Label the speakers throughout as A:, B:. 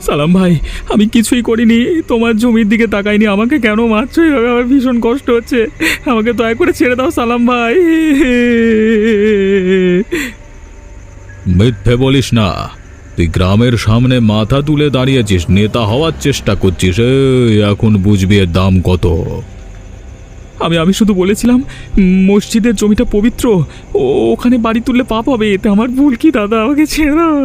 A: সালাম ভাই, আমি কিছুই করিনি, তোমার জমির দিকে তাকাইনি, আমাকে কেন মারছো এভাবে? আমার ভীষণ কষ্ট হচ্ছে, আমাকে দয়া করে ছেড়ে দাও সালাম ভাই। মিথ্যে বলিস না, তুই গ্রামের সামনে মাথা তুলে দাঁড়িয়েছিস, নেতা হওয়ার চেষ্টা করছিস, এখন বুঝবি এর দাম কত। আমি শুধু বলেছিলাম মসজিদের জমিটা পবিত্র, ওখানে বাড়ি তুললে পাপ হবে, এতে আমার ভুল কি দাদা? আমাকে ছেড়ে দাও।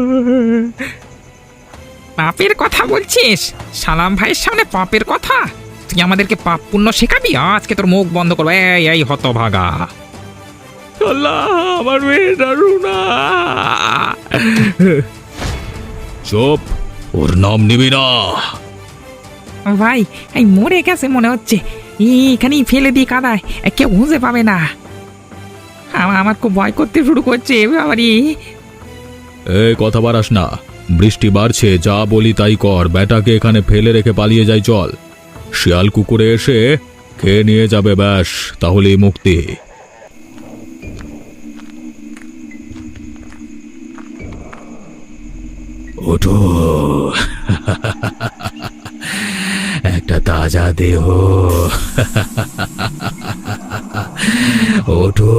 B: পাপের কথা বলছিস? সালাম ভাইয়ের সামনে পাপের কথা? তুই আমাদেরকে পাপ পুণ্য শেখাবি? আজকে তোর মুখ বন্ধ করবো। এই এই হতভাগা!
A: আল্লাহ, আমার মেয়েটা রুনা। চুপ, ওর নাম নিবি না।
B: ভাই, এই মরে গেছে মনে হচ্ছে, এখানেই ফেলে দিই কাদায়, কেউ খুঁজে পাবে না। আমার খুব ভয় করতে শুরু করছে বাবারি।
A: কথা বাড়াস না, বৃষ্টি বাড়ছে, যা বলি তাই কর, বেটাকে এখানে ফেলে রেখে পালিয়ে যাই চল। শিয়াল কুকুরে এসে খেয়ে নিয়ে যাবে, ব্যাস, তাহলেই মুক্তি। ওঠো, একটা তাজা দেহ। ওঠো।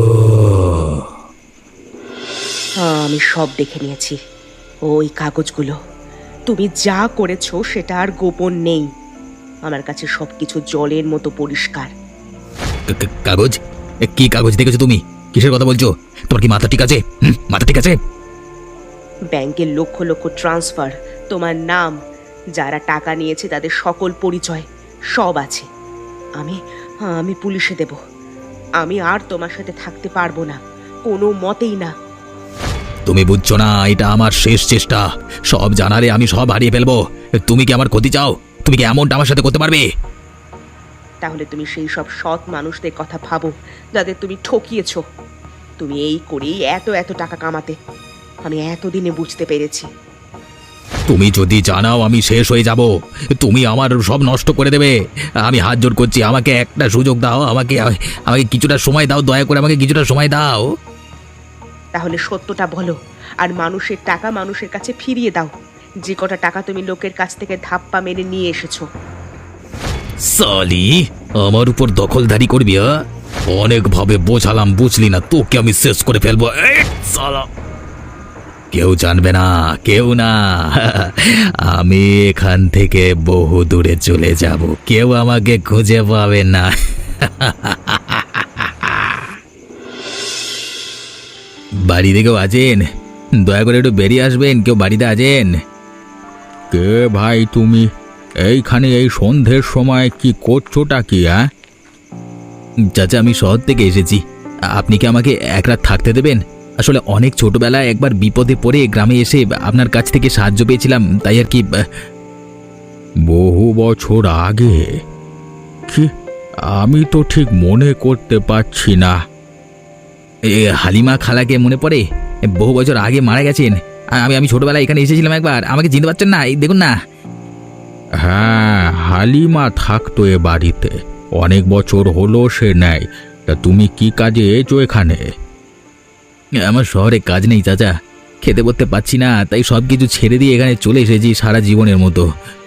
C: আমি সব দেখে নিয়েছি, ওই কাগজগুলো। তুমি যা করেছো সেটা আর গোপন নেই, আমার কাছে সবকিছু জলের মতো পরিষ্কার।
D: কাগজ? কি কাগজ দেখেছো তুমি? কিসের কথা বলছো? তোমার কি মাথা ঠিক আছে? মাথা ঠিক আছে?
C: ব্যাংকের লক্ষ লক্ষ ট্রান্সফার, তোমার নাম, যারা টাকা নিয়েছে তাদের সকল পরিচয় সব আছে। আমি আমি পুলিশে দেব। আমি আর তোমার সাথে থাকতে পারবো না, কোনো মতেই না।
D: তুমি বুঝছো না, এটা আমার শেষ চেষ্টা। সব জানারে আমি সব হারিয়ে ফেলবো। তুমি কি আমার ক্ষতি চাও? তুমি কি এমনটা আমার সাথে করতে পারবে?
C: তাহলে তুমি সেই সব সৎ মানুষদের কথা ভাবো যাদের তুমি ঠকিয়েছো। তুমি এই করেই এত এত টাকা কামাতে, আমি এতদিনে বুঝতে পেরেছি।
D: তুমি যদি জানাও আমি শেষ হয়ে যাব, তুমি আমার সব নষ্ট করে দেবে। আমি হাত জোড় করছি, আমাকে একটা সুযোগ দাও, আমাকে আমাকে কিছুটা সময় দাও, দয়া করে আমাকে কিছুটা সময় দাও।
C: তাহলে সত্যটা বলো, আর মানুষের টাকা মানুষের কাছে ফিরিয়ে দাও, যে কটা টাকা তুমি লোকের কাছ থেকে ধাপ্পা মেরে নিয়ে এসেছো।
D: সালি, আমার উপর দখলদারি করবি? অনেক ভাবে বোঝালাম, বুঝলি না? তোকে আমি শেষ করে ফেলবো। কেউ জানবে না, কেউ না। আমি এখান থেকে বহু দূরে চলে যাব, কেউ আমাকে খুঁজে পাবে না। বাড়িতে কেউ আছেন? দয়া করে একটু বেরিয়ে আসবেন, কেউ বাড়িতে আছেন?
A: কে ভাই তুমি? এইখানে এই সন্ধ্যের সময় কি করছোটা কি?
D: চাচা, আমি শহর থেকে এসেছি, আপনি কি আমাকে এক রাত থাকতে দেবেন? আসলে অনেক ছোটবেলায় একবার বিপদে পড়ে গ্রামে এসে আপনার কাছ থেকে সাহায্য পেয়েছিলাম, তাই আর কি।
A: বহু বছর আগে? কি, আমি তো ঠিক মনে করতে পারছি না।
D: হালিমা খালাকে মনে পড়ে? বহু বছর আগে মারা গেছেন। আমি ছোটবেলায় এখানে এসেছিলাম একবার, আমাকে চিনতে পারছেন না? এই দেখুন না।
A: হ্যাঁ, হালিমা থাকতো এ বাড়িতে, অনেক বছর হলো সে নেয়। তা তুমি কি কাজে এসো এখানে?
D: আমার শহরে কাজ নেই চাচা, খেতে পড়তে পাচ্ছি না, তাই সব কিছু ছেড়ে দিয়ে এখানে চলে এসেছি সারা জীবনের মতো।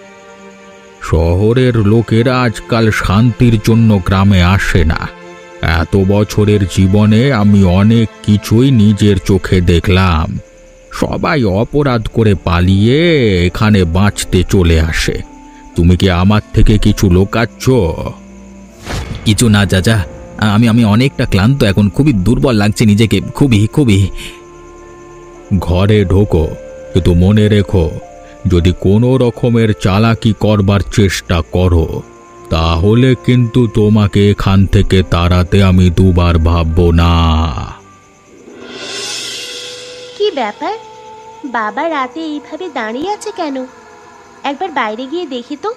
A: শহরের লোকেরা আজকাল শান্তির জন্য গ্রামে আসে না। এত বছরের জীবনে আমি অনেক কিছুই নিজের চোখে দেখলাম। সবাই অপরাধ করে পালিয়ে এখানে বাঁচতে চলে আসে। তুমি কি আমার থেকে কিছু লুকাচ্ছ?
D: কিছু না চাচা, আমি অনেকটা ক্লান্ত এখন, খুবই দুর্বল লাগছে নিজেকে, খুবই খুবই।
A: ঘরে ঢোকো, কিন্তু মনে রেখো, যদি কোনো রকমের চালাকি করবার চেষ্টা করো তাহলে কিন্তু তোমাকে এখান থেকে তাড়াতে আমি দুবার ভাববো না।
E: কি ব্যাপার, বাবা রাতে এইভাবে দাঁড়িয়ে আছে কেন? একবার বাইরে গিয়ে দেখি তো।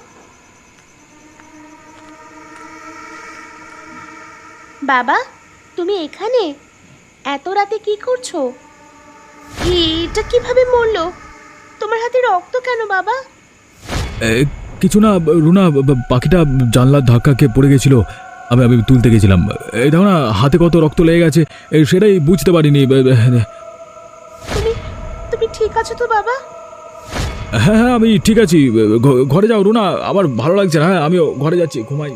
E: বাবা, তুমি এখানে এত রাতে কি করছো? এটা কিভাবে মরলো? তোমার হাতে রক্ত কেন বাবা?
A: কিছু না রুনা, পাখিটা জানলার ধাক্কা খেয়ে পড়ে গেছিল, আমি তুলতে গেছিলাম। এই দেখো না, হাতে কত রক্ত লেগে গেছে, সেটাই বুঝতে পারিনি।
E: তুমি তুমি ঠিক আছো তো বাবা?
A: হ্যাঁ হ্যাঁ আমি ঠিক আছি। ঘরে যাও রুনা, আমার ভালো লাগছে না। হ্যাঁ আমিও ঘরে যাচ্ছি, ঘুমাই।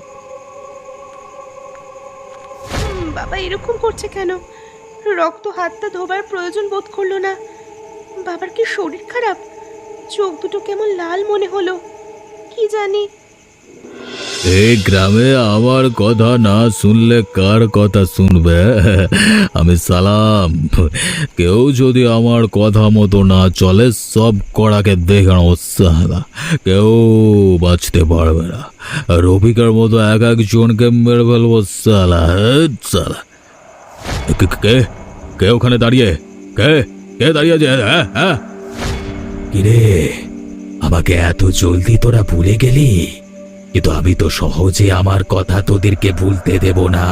C: বাবা এরকম করছে কেন? রক্ত হাতটা ধোবার প্রয়োজন বোধ করলো না। বাবার কি শরীর খারাপ? চোখ দুটো কেমন লাল মনে হলো, কি জানি।
A: এই গ্রামে আমার কথা না শুনলে কার কথা শুনবে? আমি সালাম। কেউ যদি আমার কথা মতো না চলে সব কড়াকে দেখে নেবো সালা। কেউ বাঁচতে পারবে না। রফিকার মতো এক একজনকে মেরে ফেলবো সালা। সালা কে কে ওখানে দাঁড়িয়ে? কে কে দাঁড়িয়ে আছে? হ্যাঁ হ্যাঁ,
D: কিরে, আমাকে এত জলদি তোরা ভুলে গেলি? কিন্তু আমি তো সহজে আমার কথা তোদেরকে ভুলতে দেব না।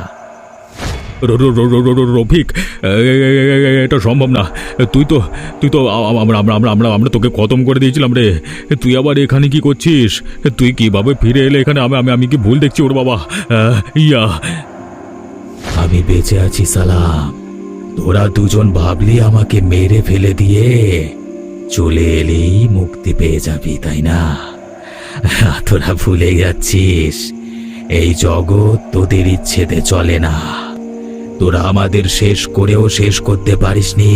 A: রফিক, এটা সম্ভব না। তুই তো আমরা তোকে খতম করে দিয়েছিলাম রে। তুই আবার এখানে কি করছিস? তুই কিভাবে ফিরে এলে এখানে? আমি কি ভুল দেখছি ওর বাবা? ইয়া,
D: আমি বেঁচে আছি সালাম। তোরা দুজন ভাবলি আমাকে মেরে ফেলে দিয়ে চলে এলেই মুক্তি পেয়ে যাবি, তাই না? তোরা ভুলে যাচ্ছিস এই জগৎ তোদের ইচ্ছেতে চলে না। তোরা আমাদের শেষ করেও শেষ করতে পারিসনি।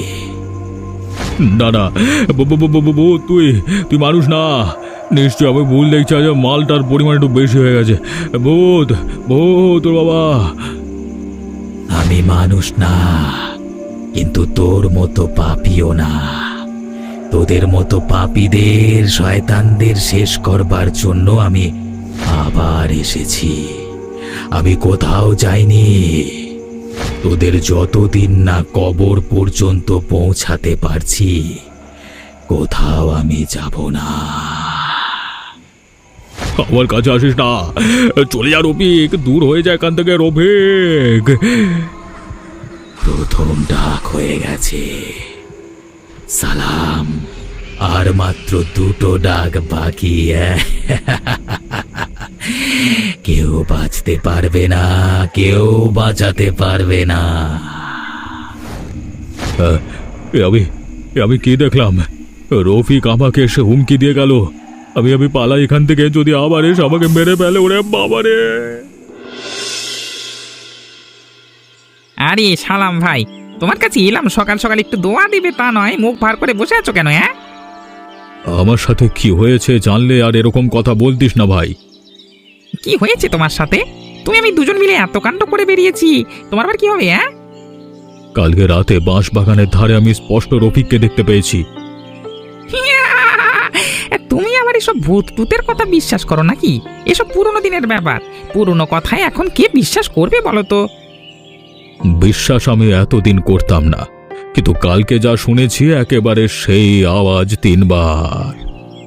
A: না না, তুই মানুষ না। নিশ্চয় আমি ভুল দেখছি। আজ মালটার পরিমাণ একটু বেশি হয়ে গেছে। ভূত ভূত তোর বাবা।
D: আমি মানুষ না, কিন্তু তোর মতো পাপিও না। তোদের মতো পাপীদের, শয়তানদের শেষ করবার জন্য আমি আবার এসেছি। আমি কোথাও যাইনি। তোদের যতদিন না কবর পর্যন্ত পৌঁছাতে পারছি, কোথাও আমি যাব না।
A: আমার কাছে আসিস না। চলে যা রফিক, দূর হয়ে যায় এখান থেকে রফিক।
D: প্রথম ডাক হয়ে গেছে সালাম, আর মাত্র দুটো ডাক বাকি। কেউ বাঁচতে পারবে না, কেউ বাঁচাতে পারবে না।
A: আমি কি দেখলাম? রফিক আমাকে এসে হুমকি দিয়ে গেল। আমি পালাই এখান থেকে, যদি আবার এসে আমাকে মেরে ফেলে। ওরে বাবারে!
B: আরে সালাম ভাই, তোমার কাছে এলাম সকাল সকাল, একটু দোয়া দিবে তা নয়, মুখ ভার করে বসে আছো কেন? হ্যাঁ,
A: আমার সাথে কি হয়েছে জানলে আর এরকম কথা বলতিস না ভাই।
B: কি হয়েছে তোমার সাথে? তুমি আমি দুজন মিলে এত কাণ্ড করে বেরিয়েছি, তোমার আবার কি হবে? হ্যাঁ,
A: কালকে রাতে বাঁশ বাগানের ধারে আমি স্পষ্ট রফিককে দেখতে পেয়েছি।
B: তুমি আবার এসব ভূত টুতের কথা বিশ্বাস করো নাকি? এসব পুরনো দিনের ব্যাপার। পুরনো কথায় এখন কে বিশ্বাস করবে বলো তো?
A: বিশ্বাস আমি এতদিন করতাম না, কিন্তু কালকে যা শুনেছি একেবারে সেই আওয়াজ 3 বার।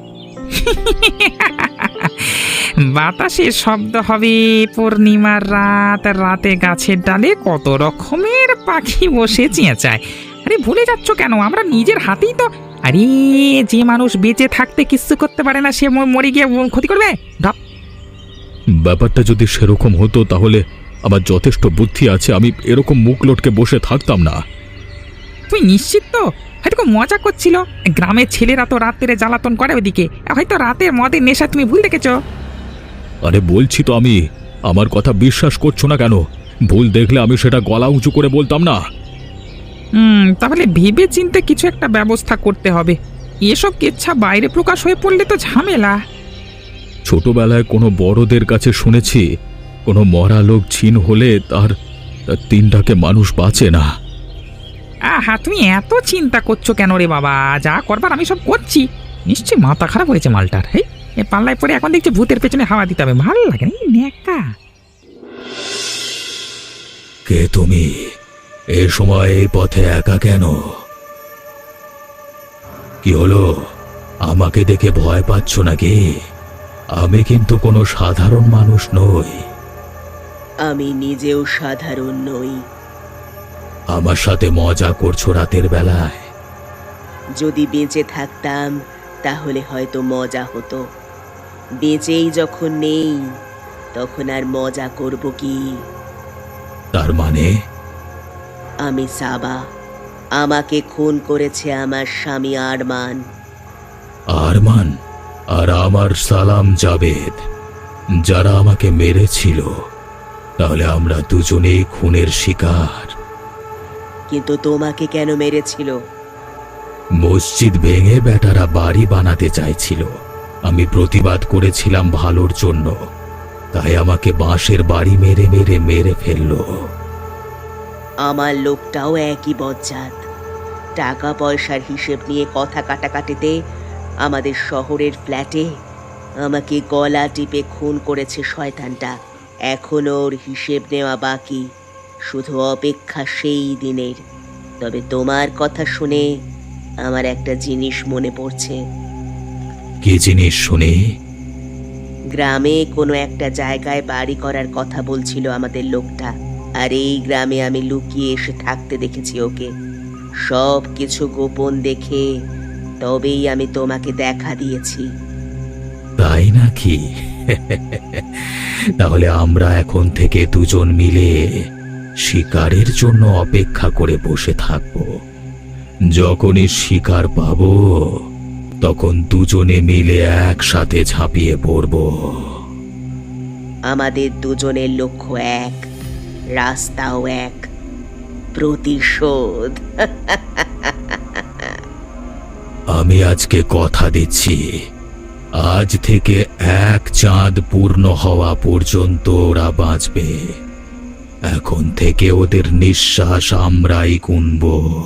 B: বাতাসের শব্দ হবে, পূর্ণিমার রাত, রাতে গাছের ডালে কত রকমের পাখি বসে চেঁচায়। আরে ভুলে যাচ্ছ কেন? আমরা নিজের হাতেই তো। আরে যে মানুষ বেঁচে থাকতে কিচ্ছু করতে পারে না, সে মরে গিয়ে ক্ষতি করবে?
A: ব্যাপারটা যদি সেরকম হতো তাহলে আমার যথেষ্ট বুদ্ধি আছে, আমি এরকম মুখ লটকে বসে থাকতাম না।
B: তুই নিশ্চিত তো? হয়তো মজা করছিল। গ্রামের ছেলেরা তো রাত্রে জ্বালাতন করে ওদিকে, হয়তো রাতের মদের নেশা তুমি ভুল দেখেছো।
A: আরে বলছি তো আমি, আমার কথা বিশ্বাস করছো না কেন? ভুল দেখলে আমি সেটা গলা উঁচু করে বলতাম না?
B: তাহলে ভেবে চিন্তে কিছু একটা ব্যবস্থা করতে হবে। এসব কেচ্ছা বাইরে প্রকাশ হয়ে পড়লে তো ঝামেলা।
A: ছোটবেলায় কোনো বড়দের কাছে শুনেছি, কোনো মরা লোক ছিন হলে তার 3টাকে মানুষ বাঁচে না।
B: আহা, তুমি এত চিন্তা করছো কেন রে বাবা? যা করবার আমি সব করছি। নিশ্চয়ই মাথা খারাপ হয়েছে মালটার। এই পাল্লায় পরে এখন দেখছি ভূতের পেছনে হাওয়া দিতে হবে। ভালো লাগে না নেকা।
D: কে তুমি? এ সময় এই পথে একা কেন? কি হলো? আমাকে দেখে ভয় পাচ্ছ নাকি? আমি কিন্তু কোনো সাধারণ মানুষ নই।
C: আমি নিজেও সাধারণ নই।
D: আমার সাথে মজা করছো রাতের বেলায়?
C: যদি বেঁচে থাকতাম তাহলে হয়তো মজা হতো। বেঁচেই যখন নেই তখন আর মজা করব কি?
D: তার মানে?
C: আমি সাবা। আমাকে খুন করেছে আমার স্বামী আরমান।
D: আরমান আর আমার সালাম জাবেদ যারা আমাকে মেরেছিল, তাহলে আমরা দুজনেই খুনের শিকার।
C: কিন্তু তোমাকে কেন মেরেছিল?
D: মসজিদ ভেঙে বেটারা বাড়ি বানাতে চাইছিল। আমি প্রতিবাদ করেছিলাম ভালোর জন্য, তাই আমাকে বাঁশের বাড়ি মেরে মেরে মেরে ফেললো।
C: আমার লোকটাও একই বজ্জাত। টাকা পয়সার হিসেব নিয়ে কথা কাটাকাটিতে আমাদের শহরের ফ্ল্যাটে আমাকে গলা টিপে খুন করেছে শয়তানটা। এখনো ওর হিসেব নেওয়া বাকি, শুধু অপেক্ষা সেই দিনের। তবে তোমার কথা শুনে আমার একটা জিনিস মনে পড়ছে।
D: কি জিনিস শুনি?
C: গ্রামে কোনো একটা জায়গায় বাড়ি করার কথা বলছিল আমাদের লোকটা, আর এই গ্রামে আমি লুকিয়ে এসে থাকতে দেখেছি ওকে। সব কিছু গোপন দেখে তবেই আমি তোমাকে দেখা দিয়েছি।
D: তাই নাকি? তাহলে আমরা এখন থেকে দুজন মিলে শিকারের জন্য অপেক্ষা করে বসে থাকব। যখনই শিকার পাবো তখন দুজনে মিলে একসাথে ঝাঁপিয়ে পড়ব।
C: আমাদের দুজনের লক্ষ্য এক, রাস্তাও এক, প্রতিশোধ।
D: আমি আজকে কথা দিচ্ছি, আজ থেকে এক চাঁদ পূর্ণ হওয়া পর্যন্ত ওরা বাঁচবে। এখন থেকে ওদের নিঃশ্বাস আমরাই গুনব।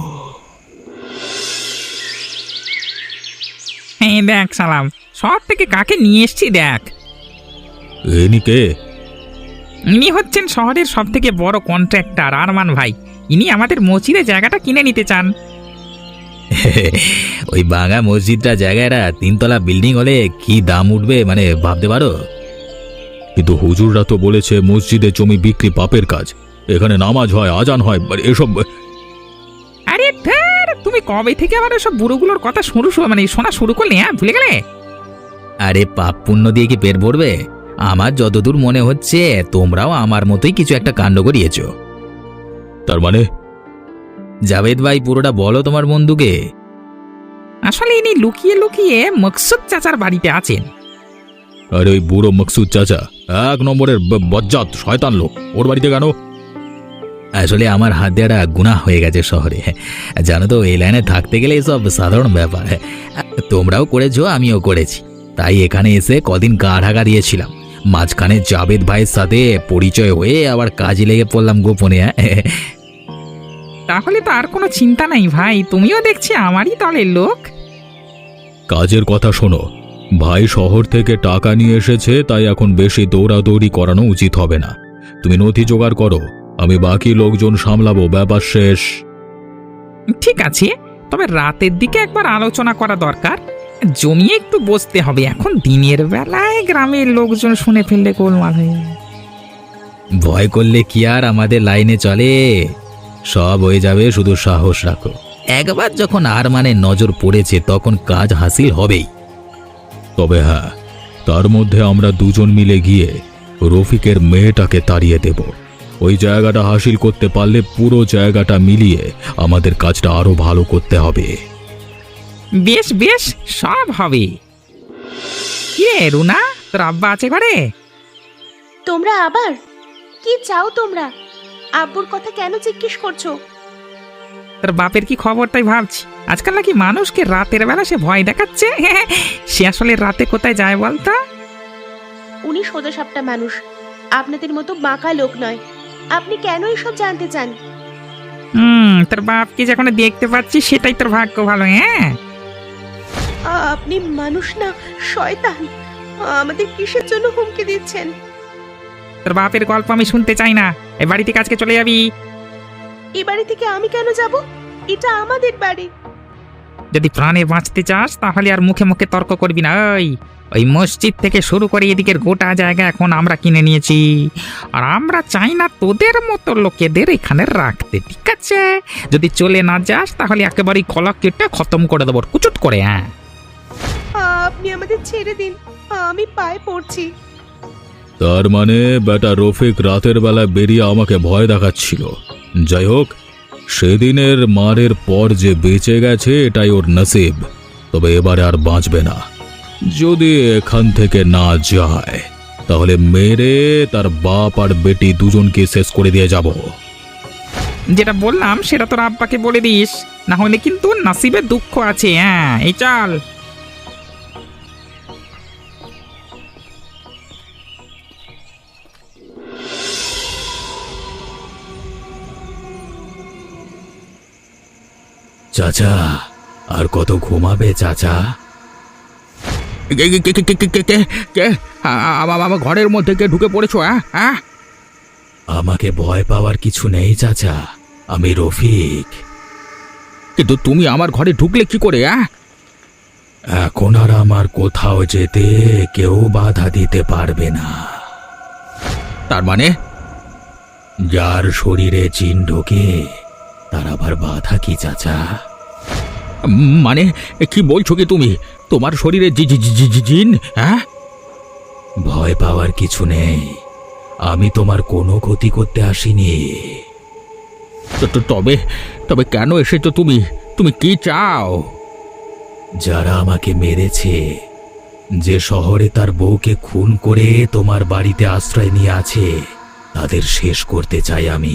B: এই দেখ সালাম, শহর থেকে কাকে নিয়ে এসছি দেখ।
A: এনি কে?
B: ইনি হচ্ছেন শহরের সব থেকে বড় কন্ট্রাক্টর আরমান ভাই। ইনি আমাদের মসজিদে জায়গাটা কিনে নিতে চান।
A: ওই বাঙা মসজিদটা জায়গাটা 3 তলা বিল্ডিং হলে কি দাম উঠবে মানে ভাবতে পারো? কিন্তু হুজুররা তো বলেছে মসজিদে জমি বিক্রি পাপের কাজ, এখানে নামাজ হয়, আজান হয়, এসব।
B: আরে ধ্যার, তুমি কবে থেকে আবার সব বুড়োগুলোর কথা শোনা শুরু করলে? হ্যাঁ, ভুলে গেলে?
A: আরে পাপ পুণ্য দিয়ে কি পেট ভরবে? আমার যতদূর মনে হচ্ছে তোমরাও আমার মতোই কিছু একটা কাণ্ড করিয়েছো। তার মানে? জাভেদ ভাই, পুরোটা বলো তোমার বন্ধুকে।
B: আসলে ইনি লুকিয়ে লুকিয়ে মকসুদ চাচার বাড়িতে আছেন।
A: আরে ওই বুড়ো মকসুদ চাচা 1 নম্বরের বজ্জাত শয়তান লোক, ওর বাড়িতে কেন? আসলে আমার হাত দেওয়াটা গুনাহ হয়ে গেছে শহরে, জানো তো। এই লাইনে থাকতে গেলে এসব সাধারণ ব্যাপার। তোমরাও করেছো, আমিও করেছি, তাই এখানে এসে কদিন গা ঢাকা দিয়েছিলাম। মাঝখানে জাভেদ ভাইয়ের সাথে পরিচয় হয়ে আবার কাজে লেগে পড়লাম গোপনে।
B: তাহলে তো আর কোনো চিন্তা নাই ভাই, তুমিও দেখছি আমারই দলের লোক।
A: কাজের কথা শোনো, ভাই শহর থেকে টাকা নিয়ে এসেছে, তাই এখন বেশি দৌড়াদৌড়ি করানো উচিত হবে না। তুমি নথি জোগাড় করো, আমি বাকি লোকজন সামলাবো, ব্যাপার শেষ।
B: ঠিক আছে, তবে রাতের দিকে একবার আলোচনা করা দরকার। জমিয়ে একটু বসতে হবে, এখন দিনের বেলায় গ্রামের লোকজন শুনে ফেললে গোলমাল হয়ে যাবে।
A: ভয় করলে কি আর আমাদের লাইনে চলে? সব হয়ে যাবে, শুধু সাহস রাখো। একবার যখন আরমানের নজর পড়েছে তখন কাজ হাসিল হবেই। তবে হ্যাঁ, তার মধ্যে আমরা দুজন মিলে গিয়ে রফিকের মেয়েটাকে তাড়িয়ে দেব। ওই জায়গাটা হাসিল করতে পারলে পুরো জায়গাটা মিলিয়ে আমাদের কাজটা আরো ভালো করতে হবে।
B: বেশ বেশ, সব হবে। কে রুনা, তোর আব্বা আছে ঘরে?
E: তোমরা আবার কি চাও? তোমরা আব্বুর কথা কেন জিজ্ঞেস করছো?
B: তোর বাপের কি খবর তাই ভাবছি। আজকাল নাকি মানুষকে রাতের বেলা সে ভয় দেখাচ্ছে। সে আসলে রাতে কোথায় যায় বলতো?
E: উনি সোজা সাপটা মানুষ, আপনাদের মতো বাঁকা লোক নয়। আপনি কেন এসব জানতে চান?
B: তোর বাপকে যখন দেখতে পাচ্ছি সেটাই তোর ভাগ্য ভালো। হ্যাঁ,
E: আপনি মানুষ না শয়তান। আমাদের কিসের জন্য হুমকি দিচ্ছেন?
B: তোর বাপের গল্প আমি শুনতে চাই না। এই বাড়ি থেকে আজকে চলে যাবি।
E: এই বাড়ি থেকে আমি কেন যাব? এটা আমাদের বাড়ি।
B: যদি প্রাণে বাঁচতে চাস তাহলে আর মুখে মুখে তর্ক করবি না। ওই মসজিদ থেকে শুরু করে এদিকের গোটা জায়গা এখন আমরা কিনে নিয়েছি, আর আমরা চাই না তোদের মতো লোকেদের এখানে রাখতে, ঠিক আছে? যদি চলে না যাস তাহলে একেবারেই কলা কেটে খতম করে দেবো, কুচুট করে। হ্যাঁ,
E: আপনি আমাদের ছেড়ে দিন, আমি পায়ে পড়ছি।
A: তার মানে বেটা রফিক রাতের বেলা বেরিয়ে আমাকে ভয় দেখাচ্ছিল। যাই হোক, সেদিনের মারের পর যে বেঁচে গেছে এটাই ওর নসিব। তবে এবারে আর বাঁচবে না। যদি এখান থেকে না যায় তাহলে মেরে তার বাপ আর বেটি দুজনকে শেষ করে দিয়ে যাব।
B: যেটা বললাম সেটা তোর আব্বাকে বলে দিস, না হলে কিন্তু নসিবে দুঃখ আছে। হ্যাঁ, এই চল।
D: চাচা, আর কত ঘুমাবে চাচা?
A: আমার ঘরের মধ্যে কে ঢুকে পড়েছো? হ্যাঁ,
D: আমাকে ভয় পাওয়ার কিছু নেই চাচা, আমি রফিক।
A: কিন্তু তুমি আমার ঘরে ঢুকলে কি করে?
D: এখন আর আমার কোথাও যেতে কেউ বাধা দিতে পারবে না।
A: তার মানে?
D: যার শরীরে জিন ঢোকে তার আবার বাধা কি চাচা?
A: মানে কি বলছো কি তুমি? তোমার শরীরে জিন? হ্যাঁ,
D: ভয় পাওয়ার কিছু নেই, আমি তোমার কোনো ক্ষতি করতে আসিনি।
A: তবে তবে কেন এসেছো তুমি? তুমি কি চাও?
D: যারা আমাকে মেরেছে, যে শহরে তার বউকে খুন করে তোমার বাড়িতে আশ্রয় নিয়ে আছে, তাদের শেষ করতে চাই আমি।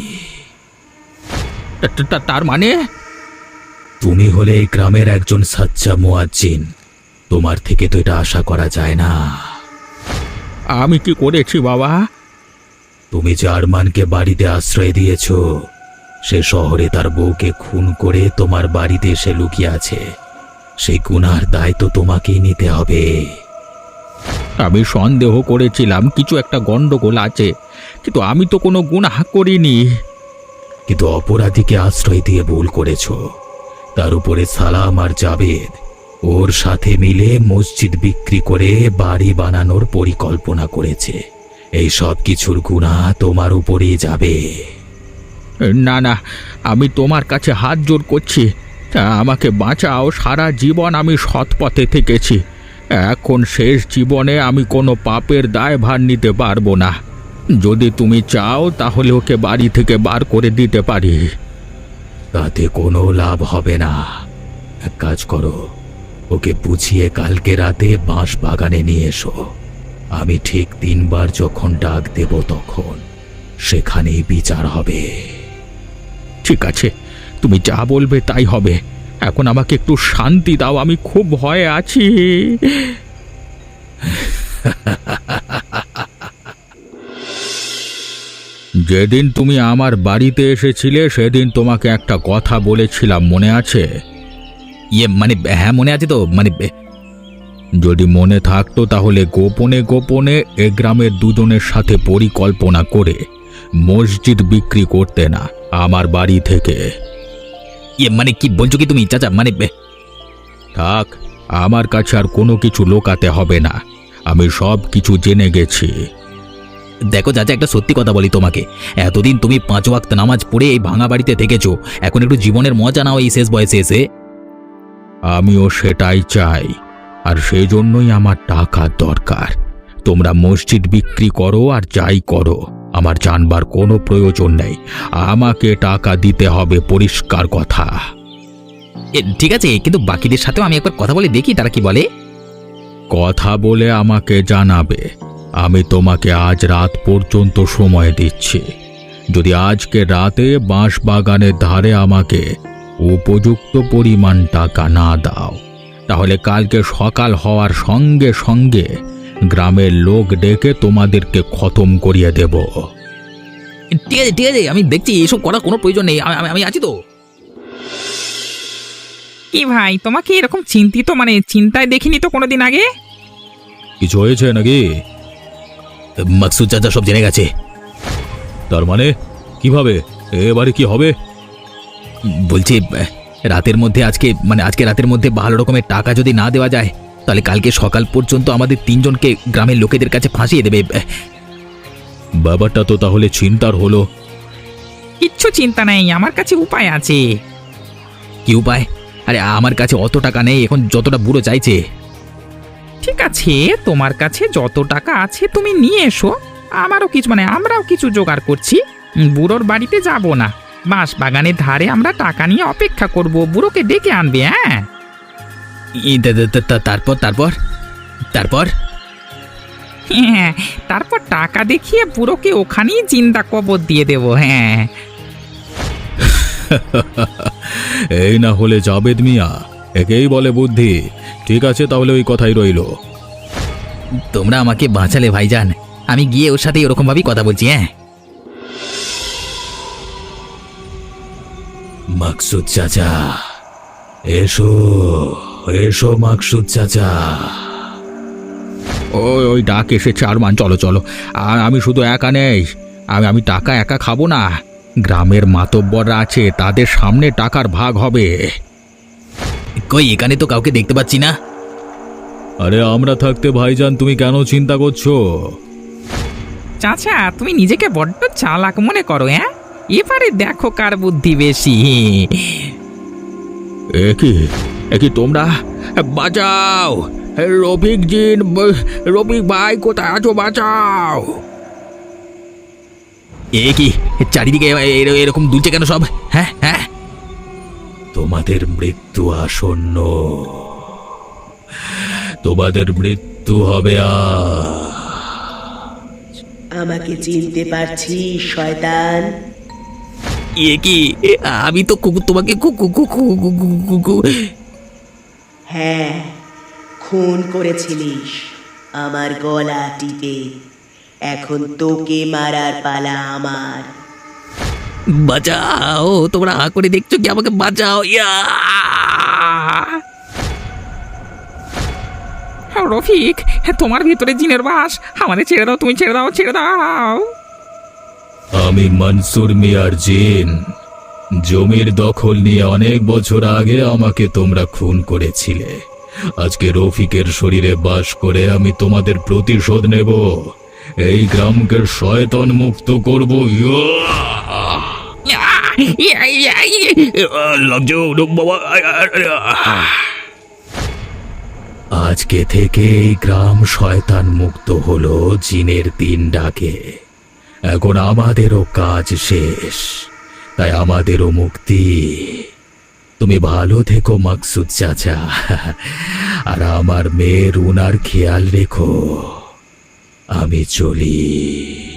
A: তার মানে?
D: তুমি হলে এই গ্রামের একজন সাচ্চা মুয়াজ্জিন, তোমার থেকে তো এটা আশা করা যায় না।
A: আমি কি করেছি বাবা?
D: তুমি যে আরমানকে বাড়িতে আশ্রয় দিয়েছ, সে শহরে তার বউকে খুন করে তোমার বাড়িতে এসে লুকিয়ে আছে, সেই গুনার দায় তো তোমাকেই নিতে হবে।
A: আমি সন্দেহ করেছিলাম কিছু একটা গন্ডগোল আছে, কিন্তু আমি তো কোনো গুনাহ করিনি।
D: কিন্তু অপরাধীকে আশ্রয় দিয়ে ভুল করেছ। তার উপরে সালাম আর জাবেদ ওর সাথে মিলে মসজিদ বিক্রি করে বাড়ি বানানোর পরিকল্পনা করেছে। এই সব কিছুর গুনাহ তোমার উপরেই যাবে।
A: না না, আমি তোমার কাছে হাত জোড় করছি, আমাকে বাঁচাও। সারা জীবন আমি সৎ পথে থেকেছি, এখন শেষ জীবনে আমি কোনো পাপের দায়ভার নিতে পারবো না। যদি তুমি চাও তাহলে ওকে বাড়ি থেকে বার করে দিতে পারি।
D: তাতে কোনো লাভ হবে না। এক কাজ করো, ওকে বুঝিয়ে কালকে রাতে বাঁশ বাগানে নিয়ে এসো। আমি ঠিক 3 বার যখন ডাক দেব তখন সেখানেই বিচার হবে।
A: ঠিক আছে, তুমি যা বলবে তাই হবে। এখন আমাকে একটু শান্তি দাও, আমি খুব ভয়ে আছি। যেদিন তুমি আমার বাড়িতে এসেছিলে সেদিন তোমাকে একটা কথা বলেছিলাম, মনে আছে?
D: মানে হ্যাঁ, মনে আছে তো।
A: যদি মনে থাকতো তাহলে গোপনে গোপনে এ গ্রামের দুজনের সাথে পরিকল্পনা করে মসজিদ বিক্রি করতে না আমার বাড়ি থেকে।
D: মানে কি বলছো কি তুমি চাচা?
A: থাক, আমার কাছে আর কোনো কিছু লোকাতে হবে না, আমি সব কিছু জেনে গেছি।
D: দেখো চাচা, একটা সত্যি কথা বলি তোমাকে, এতদিন তুমি 5 ওয়াক্ত নামাজ পড়ে এই ভাঙা বাড়িতে থেকেছো, এখন একটু জীবনের মজা নাও এই শেষ বয়সে এসে।
A: আমিও সেটাই চাই, আর সেই জন্যই আমার টাকার দরকার। তোমরা মসজিদ বিক্রি করো আর যাই করো, আমার জানবার কোনো প্রয়োজন নেই। আমাকে টাকা দিতে হবে, পরিষ্কার কথা।
D: ঠিক আছে, কিন্তু বাকিদের সাথেও আমি একবার কথা বলে দেখি তারা কি বলে।
A: কথা বলে আমাকে জানাবে। আমি তোমাকে আজ রাত পর্যন্ত সময় দিচ্ছি। যদি আজকে রাতে বাঁশ বাগানের ধারে আমাকে উপযুক্ত পরিমাণ টাকা না দাও, তাহলে কালকে সকাল হওয়ার সঙ্গে সঙ্গে গ্রামের লোক ডেকে তোমাদেরকে খতম করিয়ে দেব।
D: ঠিক আছে ঠিক আছে, আমি দেখছি, এসব করার কোনো প্রয়োজন নেই, আমি আছি তো।
B: কি ভাই, তোমাকে এরকম চিন্তিত চিন্তায় দেখিনি তো কোনোদিন আগে।
A: কিছু হয়েছে নাকি?
D: মাকসুদ চাচা সব জেনে গেছে।
A: তার মানে কিভাবে? এবারে কি হবে?
D: বলছি রাতের মধ্যে আজকে রাতের মধ্যে ভালো রকমের টাকা যদি না দেওয়া যায়, তাহলে কালকে সকাল পর্যন্ত আমাদের 3 জনকে গ্রামের লোকেদের কাছে ফাঁসিয়ে দেবে।
A: ব্যাপারটা তো তাহলে চিন্তার হলো।
B: কিচ্ছু চিন্তা নেই, আমার কাছে উপায় আছে।
D: কি উপায়? আরে আমার কাছে অত টাকা নেই এখন, যতটা বুড়ো চাইছে।
B: ঠিক আছে, তোমার কাছে যত টাকা আছে তুমি নিয়ে এসো, আমারও কিছু আমরাও কিছু জোগাড় করছি। বুড়োর বাড়িতে যাব না, বাঁশ বাগানের ধারে আমরা টাকা নিয়ে অপেক্ষা করব, বুড়োকে ডেকে আনবে। হ্যাঁ,
D: তারপর তারপর তারপর
B: হ্যাঁ, তারপর টাকা দেখিয়ে বুড়োকে ওখানেই জিন্দা কবর দিয়ে দেবো। হ্যাঁ,
A: এই না হলে জাবেদ মিয়া, একেই বলে বুদ্ধি। ঠিক আছে, তাহলে ওই কথাই রইল।
D: তোমরা আমাকে বাঁচালে ভাইজান, আমি গিয়ে ওর সাথে ওরকম ভাবেই কথা বলছি। হ্যাঁ, মাকসুদ চাচা, এসো এসো মাকসুদ চাচা।
A: ওই ওই ডাক এসেছে আরমান, চলো চলো। আর আমি শুধু একা নেই, আমি টাকা একা খাবো না। গ্রামের মাতব্বররা আছে, তাদের সামনে টাকার ভাগ হবে।
D: কই, এখানে তো কাউকে দেখতে পাচ্ছি না।
A: আরে আমরা থাকতে ভাইজান তুমি কেন চিন্তা করছো?
B: চাচা তুমি নিজেকে বড্ড চালাক মনে করো। হ্যাঁ, এবারে দেখো কার বুদ্ধি বেশি।
A: একই তোমরা বাঁচাও! রফিক জিন, রফিক ভাই কোথায় আছো? বাঁচাও!
D: এ কি চারিদিকে এরকম দুলছে কেন সব? হ্যাঁ হ্যাঁ, তোমাদের মৃত্যু আসন্ন, তোমাদের মৃত্যু হবে।
C: আমাকে চিনতে পারছিস শয়তান?
D: এ কি, আমি তো তোমাকে
C: হ্যাঁ, খুন করেছিলিস আমার গলা টিপে। এখন তোকে মারার পালা আমার।
D: বাঁচাও, তোমরা হা করে দেখছো কি? আমাকে বাঁচাও।
B: রফিক, তোমার ভিতরে জিনের বাস। আমাদের ছেড়ে দাও, তুমি ছেড়ে দাও, ছেড়ে দাও।
D: আমি মনসুর মিয়ার জিন। জমির দখল নিয়ে অনেক বছর আগে আমাকে তোমরা খুন করেছিলে। আজকে রফিকের শরীরে বাস করে আমি তোমাদের প্রতিশোধ নেব। এই গ্রামকে শয়তান মুক্ত করব। আজকে থেকে এই গ্রাম শয়তান মুক্ত হলো জিনের দিন ডাকে। এখন আমাদেরও কাজ শেষ, তাই আমাদেরও মুক্তি। তুমি ভালো থেকো মাকসুদ চাচা, আর আমার মেয়ের উনার খেয়াল রেখো। আমি চলি।